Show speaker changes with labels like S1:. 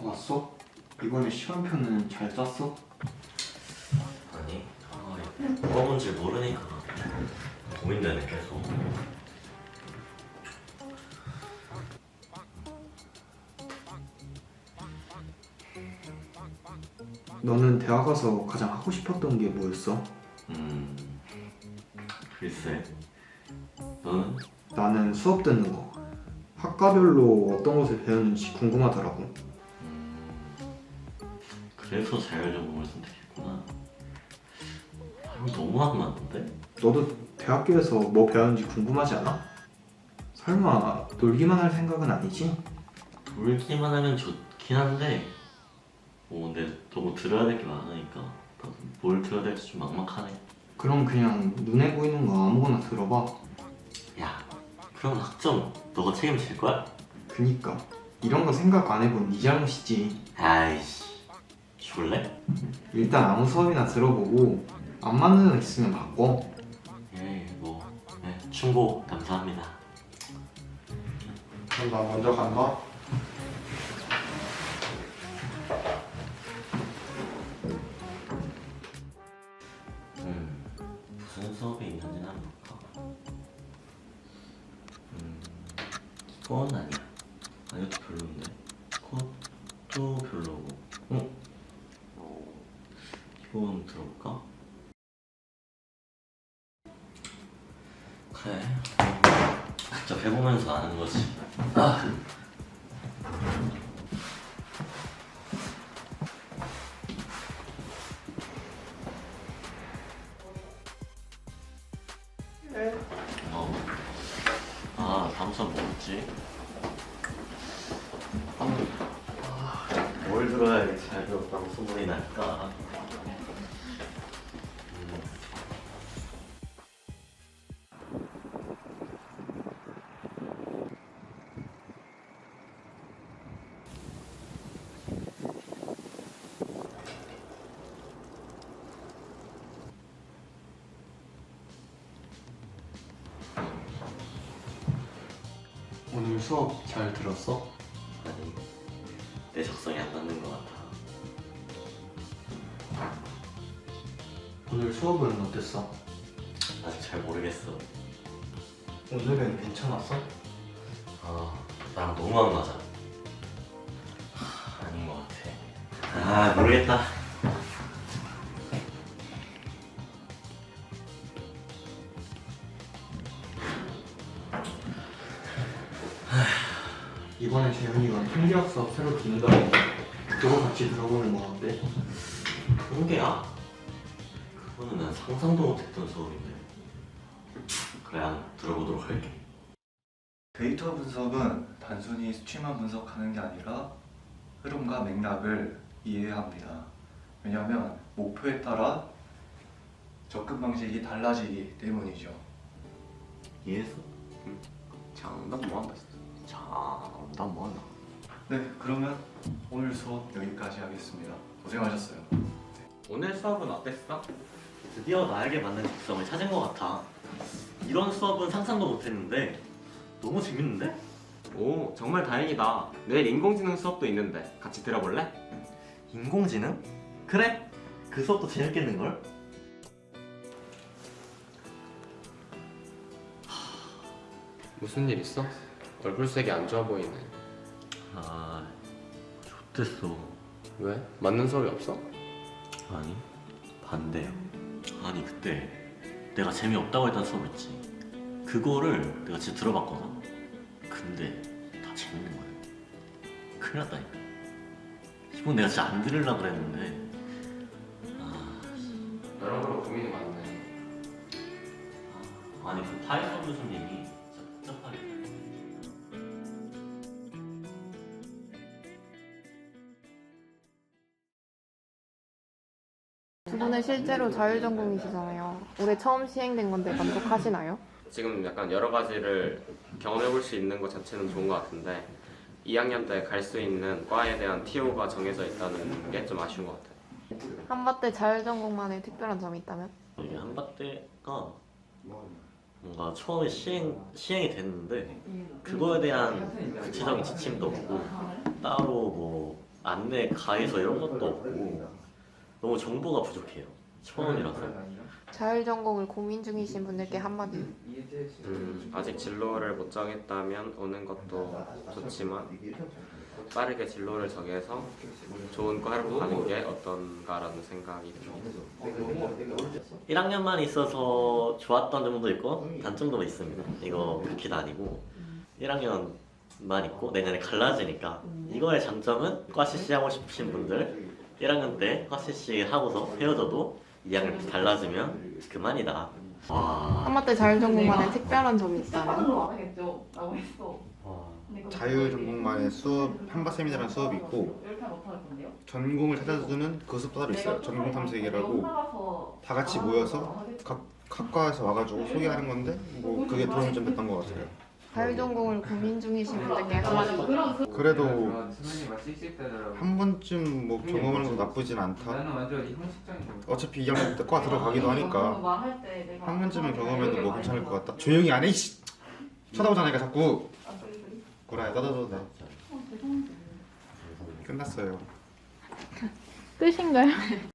S1: 봤어? 이번에 시간표는 잘 짰어?
S2: 아니, 뭐가 뭔지 모르니까 고민되네 계속.
S1: 너는 대학 가서 가장 하고 싶었던 게 뭐였어?
S2: 글쎄, 너는?
S1: 나는 수업 듣는 거. 학과별로 어떤 것을 배우는지 궁금하더라고.
S2: 그래서 자율전공을 선택했구나. 이거 너무 안 맞는데?
S1: 너도 대학교에서 뭐 배우는지 궁금하지 않아? 설마 놀기만 할 생각은 아니지?
S2: 놀기만 하면 좋긴 한데 근데 너무 들어야 될 게 많으니까 나도 뭘 들어야 될지 좀 막막하네.
S1: 그럼 그냥 눈에 보이는 거 아무거나 들어봐.
S2: 야, 그럼 학점 너가 책임질 거야?
S1: 그니까 이런 거 생각 안 해본 네 잘못이지.
S2: 아이씨, 줄래?
S1: 일단 아무 수업이나 들어보고 안 맞는 애 있으면 바꿔.
S2: 충고 감사합니다.
S1: 그럼 나 먼저 간다.
S2: 무슨 수업이 있는지는 한번 볼까? 이건 아니야. 이것도 별로인데. 그것도 별로고. 이건 들어볼까? 그래. 직접 해보면서 아는 거지. 다음 수업 뭐였지? 뭘 들어야 잘 배웠다고 소문이 날까?
S1: 오늘 수업 잘 들었어?
S2: 아니, 내 적성에 안 맞는 것 같아.
S1: 오늘 수업은 어땠어?
S2: 아직 잘 모르겠어.
S1: 오늘은 괜찮았어?
S2: 나랑 너무 안 맞아. 아닌 것 같아. 모르겠다.
S1: 이번에 재현이가 통계학 수업 새로 듣는다고. 그거 같이 들어보는 거 어때?
S2: 통계야? 그거는 난 상상도 못했던 수업인데. 그래, 안 들어보도록 할게.
S3: 데이터 분석은 단순히 수치만 분석하는 게 아니라 흐름과 맥락을 이해해야 합니다. 왜냐하면 목표에 따라 접근 방식이 달라지기 때문이죠.
S2: 이해했어?
S4: 장난 뭐한다 진짜. 장난 뭐한다.
S3: 네, 그러면 오늘 수업 여기까지 하겠습니다. 고생하셨어요.
S4: 오늘 수업은 어땠어?
S2: 드디어 나에게 맞는 적성을 찾은 것 같아. 이런 수업은 상상도 못했는데 너무 재밌는데?
S4: 오, 정말 다행이다. 내일 인공지능 수업도 있는데 같이 들어볼래?
S2: 인공지능? 그래! 그 수업도 재밌겠는걸?
S5: 무슨 일 있어? 얼굴색이 안 좋아 보이네.
S2: 좋댔어.
S5: 왜? 맞는 수업이 없어?
S2: 아니, 반대야. 아니, 그때 내가 재미없다고 했던 수업 있지. 그거를 내가 진짜 들어봤거든. 근데 다 재밌는 거야. 큰일 났다니까. 이건 내가 진짜 안 들으려고 그랬는데.
S5: 여러모로 고민이 많네.
S2: 아니, 그 파이썬 교수님이 진짜 복잡하게.
S6: 두 분은 실제로 자율전공이시잖아요. 올해 처음 시행된 건데 만족하시나요?
S5: 지금 약간 여러 가지를 경험해볼 수 있는 것 자체는 좋은 것 같은데 2학년 때 갈 수 있는 과에 대한 TO가 정해져 있다는 게 좀 아쉬운 것 같아요.
S6: 한밭대 자율전공만의 특별한 점이 있다면?
S2: 이게 한밭대가 뭔가 처음에 시행이 됐는데 그거에 대한 구체적인 지침도 없고 따로 뭐 안내 가이서 이런 것도 없고 너무 정보가 부족해요. 처음이라서.
S6: 자율전공을 고민 중이신 분들께 한마디.
S5: 아직 진로를 못 정했다면 오는 것도 좋지만 빠르게 진로를 정해서 좋은 과로 가는 게 어떤가라는 생각이 듭니다.
S2: 1학년만 있어서 좋았던 점도 있고 단점도 있습니다. 이거 그렇게도 아니고 1학년만 있고 내년에 갈라지니까 이거의 장점은 과 CC 하고 싶으신 분들 1학년 때 과 CC 하고서 헤어져도 2학년 때 달라지면 그만이다. 와.
S6: 한마때 자율전공만의 특별한 점이 있다면?
S7: 자율전공만의 수업, 한바 세미나라는 수업이 있고 전공을 찾아주는 그 수업 따로 있어요. 전공 탐색이라고 다 같이 모여서 각 학과에서 와가지고 소개하는 건데 뭐 그게 도움이 좀 됐던 것 같아요.
S6: 자율전공을 고민 중이신 분들께 한마디.
S7: 그래도 한 번쯤 뭐 경험하는 건 나쁘진 않다. 어차피 2학년 때 과 들어가기도 하니까 한 번쯤은 경험해도 뭐 괜찮을 것 같다. 조용히 안 해. 이씨. 쳐다보자니까 자꾸. 구라야 떠들어도 돼. 끝났어요.
S6: 끝인가요?